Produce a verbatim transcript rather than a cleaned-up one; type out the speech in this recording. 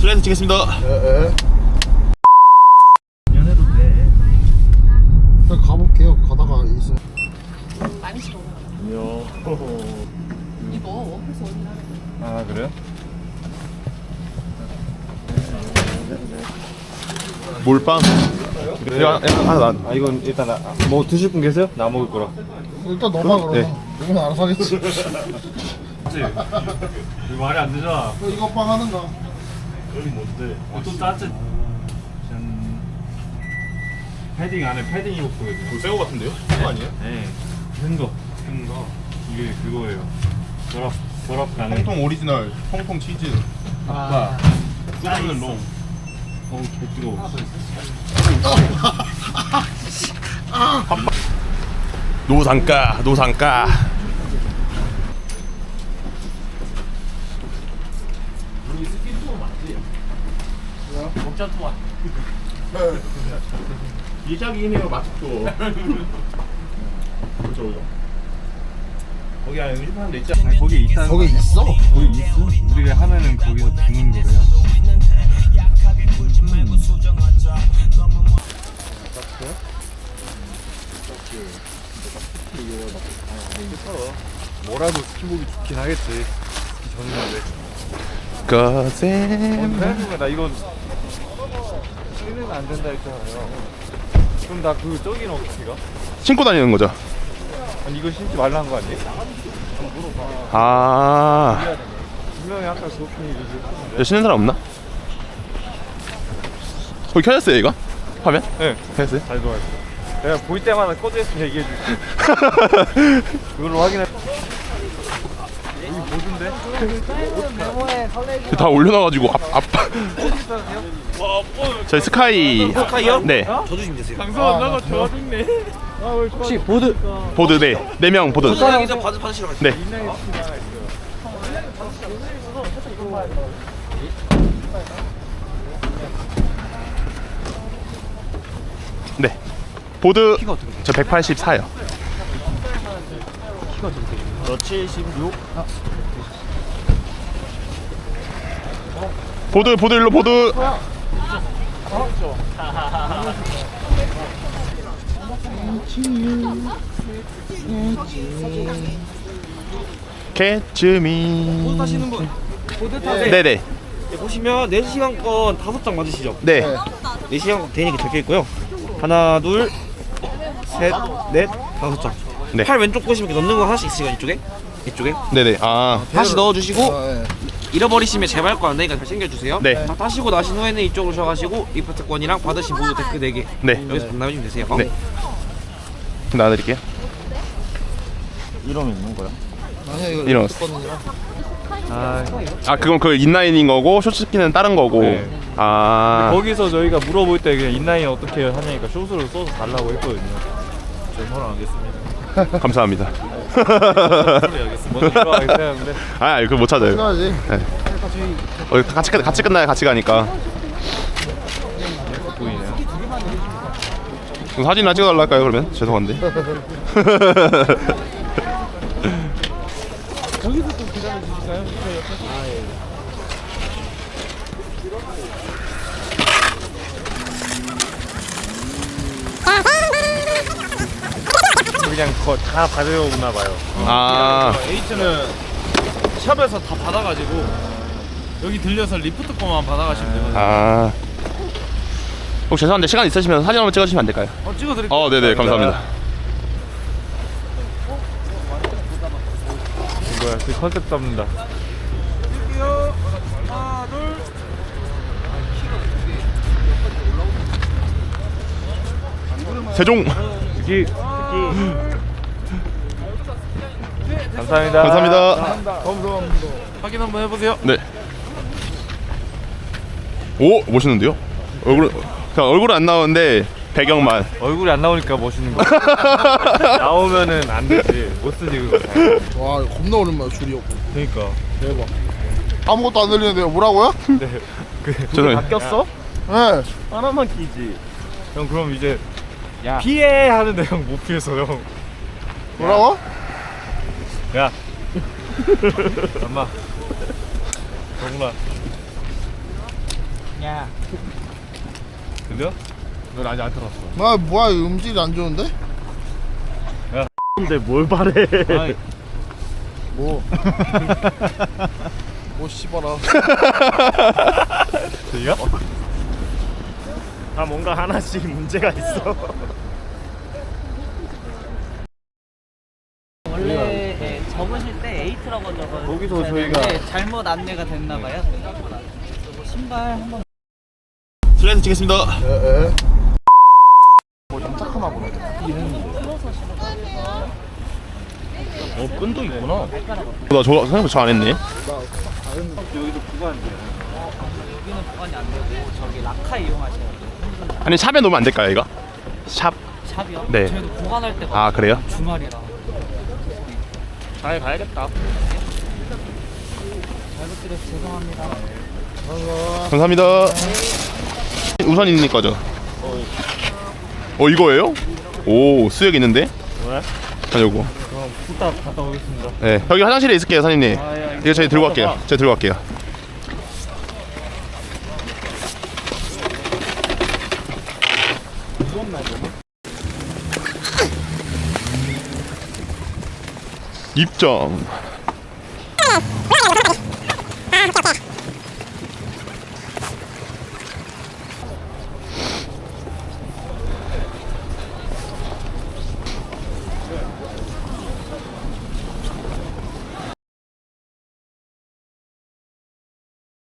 슬라이드 치겠습니다. 예, 연애도 돼. 일단 가볼게요. 가다가 있어. 많이 싫어. 요. 이거 워크에서 원인 하는 거. 아 그래요? 몰빵. 이거 하나 나. 아 이건 일단 나, 뭐 드실 분 계세요? 나 먹을 거라. 일단 너만 그러면. 네. 이건 알아서 하겠지. 이거 말이 안 되잖아. 이거 빵 하는가? 여기 뭔데? 또 따뜻. 짠. 패딩 안에 패딩 입고 있거든요. 그거 새거 같은데요? 그거 아니에요? 네. 큰 거. 큰 거. 이게 그거예요. 결합 결합 가능. 통통 오리지널, 통통 치즈. 아. 끓는 롱. 어우 개 뜨거워. 노상가, 노상가. 이작이긴 해요, 맛집도. 그렇죠, 그죠. 거기 안에 음식 파는 데 있지 않나요? 아니, 거기 있다. 거기 있어? 거기 있어? 우리가 하면은 거기서 주는 거래요. 뭐라도 스키복이 좋긴 하겠지. 스키 전인데. 거셈. 그래가지고 나 이건 쓰는 안 된다 했잖아요. 그럼 나 그 저기는 어떻게 가? 신고 다니는 거죠? 아니 이거 신지 말라는 거 아니에요? 아. 분명히 아까 그렇게 얘기했어. 저 신는 사람 없나? 거기 켜졌어요, 이거? 화면? 네. 켜졌어요? 잘 들어왔어. 내가 보일 때마다 꺼져 있으면 얘기해 줄게. 그걸로 확인해. 여기 뭐던데? 다 올려놔가지고 앞, 앞. 저희 스카이. 스카이요? 네. 저 주시면 되세요. 방송 안 나가 좋아 죽네. 혹시 보드 보드, 네. 네 명 보드. 소장이자 받으 받으시러 가세요. 네. 네. 보드 저 백팔십사요. 저 칠십육. 보드 보드 일로 보드. 개츠미. 보드 타시는 분. 보드 타세요. 네네. 네, 보시면 네 시간권 다섯 장 맞으시죠? 네. 네 시간권 대인이 적혀 있고요. 하나, 둘, 셋, 넷, 다섯 장. 네. 팔 왼쪽 보시면 이렇게 넣는 거 하나씩 있으니까 이쪽에, 이쪽에 네네. 아. 다시 넣어주시고 아, 예. 잃어버리시면 재발권 안 되니까 잘 챙겨주세요. 네. 다 타시고 나신 후에는 이쪽으로 오셔가지고 리프트권이랑 받으신 보드 데크 네 개 네. 여기서 반납해주면 되세요. 네. 나눠드릴게요. 이러면 있는 거야? 아니야 이거 이런. 있었거든요. 아. 아 그건 그 인라인인 거고 쇼츠키는 다른 거고. 네. 아. 거기서 저희가 물어볼 때 그냥 인라인 어떻게 하냐니까 숏으로 써서 달라고 했거든요. 저는 하겠습니다. 감사합니다. 먼저 들어가겠어야 하는데. 아, 그거 못 찾아요. 끝나야지. 어, 같이 끝- 같이 끝나야 같이 가니까. 보이네요. 그럼 사진이나 찍어달라 할까요 그러면? 죄송한데. 거기서 좀 기다려 주실까요? 아 예. 그냥 거, 다 받아오나 봐요. 아. H는 샵에서 다 받아가지고 여기 들려서 리프트 거만 받아가시면 되거든요. 아. 혹시 죄송한데 시간 있으시면 사진 한번 찍어주시면 안 될까요? 어, 찍어드릴게요. 어, 네네 감사합니다. 뭐야, 그 컨셉 잡는다. 찍을게요. 하나, 둘. 세종. 특히 특히 감사합니다. 감사합니다. 확인 한번 해보세요. 네. 오 멋있는데요? 얼굴 그냥 얼굴은 안 나오는데 배경만. 얼굴이 안 나오니까 멋있는 거. 나오면은 안 되지. 못 쓰지 그거. 와 이거 겁나 오랜만에 줄이 없고. 그러니까. 대박. 아무것도 안 들리는데요. 뭐라고요? 네. 그 죄송해요. 바뀌었어? 네. 하나만 끼지. 형 그럼 이제 야. 피해 하는데 형 못 피해서 형. 뭐라고? 야. 엄마. 정훈아. 야. 들려? 넌 아직 안 들었어. 아 뭐야 이 음질이 안 좋은데? 근데 뭘 바래? 아이, 뭐? 뭐 씹어라. 들려? 다 뭔가 하나씩 문제가 있어. 원래 예, 적으실 때 에이트라고 적어요. 거기서 저희가- 잘못 안내가 됐나봐요. 신발 한번. 슬라이드 치겠습니다. 에에. 어 끈도 있구나. 나 저거 생각보다 잘 안 했네. 여기는 보관이 안 되고 저기 라카 이용하셔야 돼요. 아니 샵에 놓으면 안 될까요 이거? 샵. 샵이요? 네. 저희도 보관할 때가 아 그래요? 주말이라. 잘 가야겠다. 잘못 드려서 죄송합니다. 감사합니다. 우선 있는 거죠? 어 이거예요? 오 수액 있는데? 왜? 가려고. 그럼 후딱 갔다 오겠습니다. 네 여기 화장실에 있을게요 사장님. 아, 예, 이거 저희 들고 갈게요. 제가 들고 갈게요. 입장.